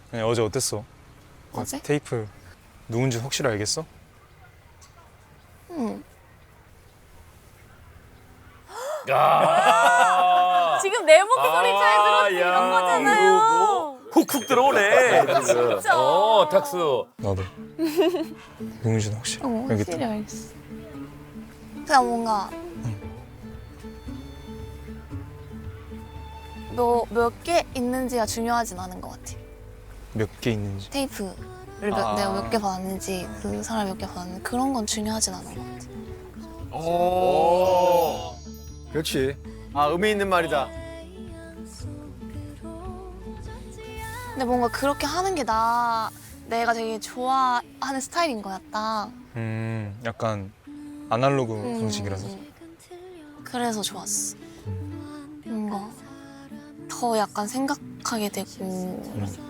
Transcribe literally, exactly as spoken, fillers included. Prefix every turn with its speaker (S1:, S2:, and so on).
S1: 아니, 어제 어땠어?
S2: 어제?
S1: 테이프 누군지 확실히 알겠어?
S2: 응.
S3: 야.
S4: 지금 내 목소리 잘
S3: 아,
S4: 들었지
S3: 야,
S4: 이런 거잖아요.
S3: 훅훅 들어오네.
S4: 진짜.
S3: 어, 탁수.
S1: 나도. 누군지는 확실히
S2: 어,
S1: 알겠다.
S2: 확실히 알겠어. 그냥 뭔가 몇 몇 개 있는지가 중요하진 않은 것 같아.
S1: 몇 개 있는지.
S2: 테이프를 몇,
S1: 아.
S2: 내가 몇 개 받았는지 그 사람이 몇 개 받았는지 그런 건 중요하진 않은 것 같아.
S3: 오.
S5: 그렇지. 아, 의미 있는 말이다.
S2: 근데 뭔가 그렇게 하는 게 나 내가 되게 좋아하는 스타일인 거야 딱.
S1: 음, 약간 아날로그
S2: 음.
S1: 방식이라서.
S2: 그래서 좋았어. 뭔가 더 약간 생각하게 되고
S1: 음.